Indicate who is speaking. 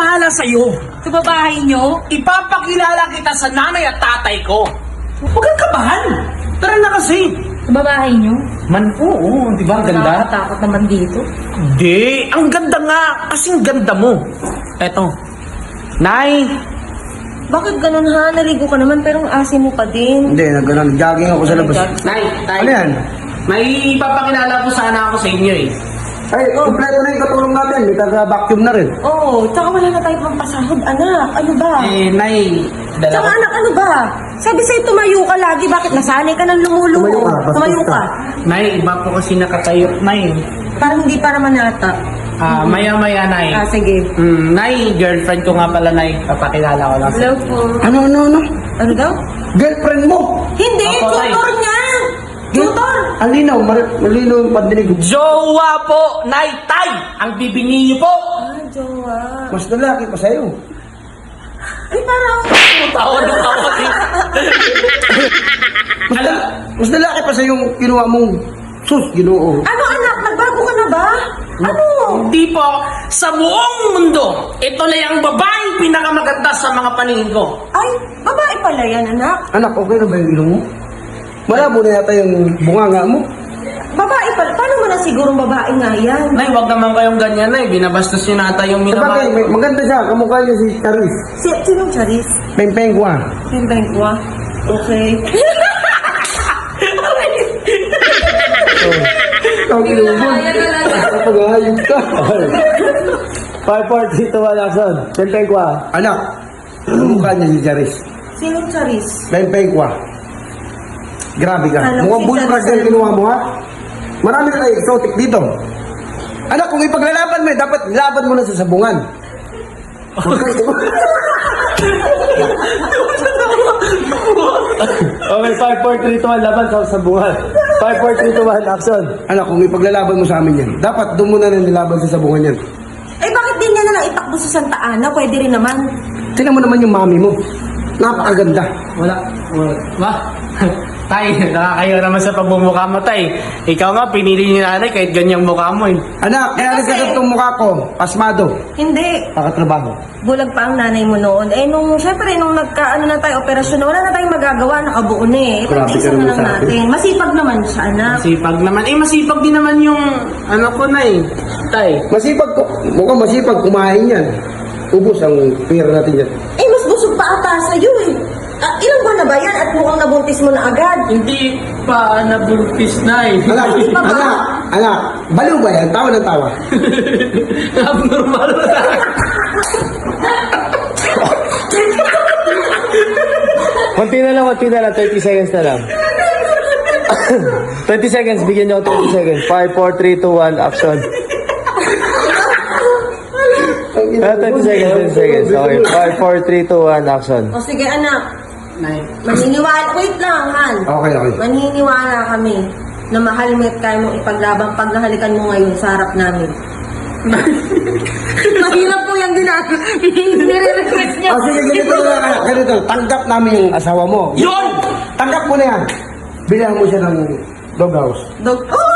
Speaker 1: bahala sa'yo.
Speaker 2: Sa babae nyo?
Speaker 1: Ipapakilala kita sa nanay at tatay ko. Huwag kang kabahan. Tara na kasi.
Speaker 2: Sa babae nyo?
Speaker 1: Man, oo, di ba? Ang ganda.
Speaker 2: Nakakatakot naman dito.
Speaker 1: Di, ang ganda nga. Kasing ganda mo. Eto. Nay,
Speaker 2: Bakit ganun ha? Naligo ka naman pero ang asin mo pa din.
Speaker 3: Hindi, nag-jogging ako sa labas.
Speaker 1: Nay, tay.
Speaker 3: Ano yan?
Speaker 1: May ipapakilala ko sana ako sa inyo eh.
Speaker 3: Ay, kompleto na yung katulong natin. May taga-vacuum na rin.
Speaker 2: Oo, tsaka wala na tayo pang pasahod, anak. Ano ba?
Speaker 1: Nay,
Speaker 2: Tsaka
Speaker 1: dala ko.
Speaker 2: anak, ano ba? Sabi sa'yo tumayo ka lagi. Bakit nasanay ka ng lumuluho?
Speaker 3: Tumayo ka, bastos
Speaker 2: Tumayo
Speaker 3: ka.
Speaker 2: ka.
Speaker 1: Nay, iba po kasi nakatayo. Nay,
Speaker 2: Parang hindi para manata.
Speaker 1: maya-maya, Nay.
Speaker 2: Sige.
Speaker 1: Nay, girlfriend ko nga pala, Nay. Papakilala ko lang.
Speaker 2: Hello po.
Speaker 3: Ano?
Speaker 2: Ano daw?
Speaker 3: Girlfriend mo!
Speaker 2: Hindi,
Speaker 1: Opo, Tay.
Speaker 2: tutor niya! Tutor!
Speaker 3: Alinaw, malinaw yung pandinig.
Speaker 1: Jowa po, Nay, Tay! Ang bibingi niyo po!
Speaker 2: Ah, jowa.
Speaker 3: Mas lalaki pa sa'yo.
Speaker 2: Ay, parang...
Speaker 1: Tawa ng tawa eh. Alam,
Speaker 3: Mas lalaki pa sa'yo yung kinuha mong sus, ginoo.
Speaker 2: Ano anak, nagbago ka na ba? Ano?
Speaker 1: hindi po, sa buong mundo, ito na yung babaeng pinakamaganda sa mga paningin ko.
Speaker 2: Ay, babae pala yan, anak.
Speaker 3: Anak, okay na ba yung ilong mo? Malabo na yata yung bunganga mo.
Speaker 2: Babae pala. Paano mo na sigurong babae nga yan?
Speaker 1: Nay, wag naman kayong ganyan, Nay. Binabastos niyo nata yung
Speaker 3: Sabagay,
Speaker 1: minamahal.
Speaker 3: maganda siya. Kamukha niya si Charis.
Speaker 2: Sinong Charis?
Speaker 3: Peng-peng ko ah.
Speaker 2: Pimbeng ko ah. Okay.
Speaker 3: Ang ilong mo. Pag-ahayog ka.
Speaker 4: 5, 4, 3, 2, 1, action. Peng-peng ko ah.
Speaker 3: Anak, kamukha niya si Charis.
Speaker 2: Sinong Charis?
Speaker 3: Peng-peng ko ah. Grabe ka.
Speaker 2: Alam
Speaker 3: Mukhang
Speaker 2: si
Speaker 3: bully
Speaker 2: Charis
Speaker 3: crush yung kinuha mo ha. Marami na tayo exotic dito. Anak, kung ipaglalaban mo, dapat laban mo na sa sabungan.
Speaker 4: Okay, 5, 4, 3, 2, 1, laban sa sabungan. 5, 4, 3, 2, 1, action.
Speaker 3: Anak, kung ipaglalaban mo sa amin yan, dapat doon mo na rin nilaban sa sabungan yan.
Speaker 2: Eh, bakit din niya na lang itakbo sa Santa Ana? Pwede rin naman.
Speaker 3: Tingnan mo naman yung mami mo. Napakaganda.
Speaker 1: Wala. Wah. Tay, nakakayo naman sa pagmumukha mo, Tay. Ikaw nga, pinili ni nanay kahit ganyang mukha mo eh.
Speaker 3: Anak, kaya
Speaker 2: Kasi-
Speaker 3: nagkasot tong mukha ko. Pasmado.
Speaker 2: Hindi.
Speaker 3: Pakatrabaho.
Speaker 2: Bulag pa ang nanay mo noon. Eh, syempre, nung nagkaano na tayo, operasyon na, wala na tayong magagawa, nakabuo na eh.
Speaker 3: Grabe ka
Speaker 2: Ipag-isa na
Speaker 3: naman
Speaker 2: lang
Speaker 3: sa akin.
Speaker 2: natin. Masipag naman siya, anak.
Speaker 1: Masipag naman. Eh, masipag din naman yung ano ko na eh. Tay.
Speaker 3: Masipag ko. Mukhang masipag kumain yan. Ubus ang pera natin yan.
Speaker 2: Eh, mas busog pa ata sa'yo eh. Ilang buwan na ba yan at mukhang nabuntis mo na agad?
Speaker 1: Hindi pa nabuntis na eh.
Speaker 3: Anak,
Speaker 2: Hindi pa ba?
Speaker 3: anak, baliw ba yan? Tawa ng tawa.
Speaker 1: Abnormal na.
Speaker 4: Konti na lang, 30 seconds na lang. 20 seconds, bigyan niyo ako 20 seconds. 5, 4, 3, 2, 1, action. 30 seconds. Okay, 5, 4, 3, 2, 1, action.
Speaker 2: O sige, anak.
Speaker 1: Nay.
Speaker 2: Maniniwala. Wait lang, Han.
Speaker 3: Okay.
Speaker 2: Maniniwala kami na mahal mo at kaya mong ipaglaban pag nahalikan mo ngayon sa harap namin. Mahirap po yung nire-request niya.
Speaker 3: Ah, sige, ganito na lang. Ganito, tanggap namin yung asawa mo.
Speaker 1: Yun!
Speaker 3: Tanggap mo na yan. Bilang mo siya ng doghouse.
Speaker 2: Oh,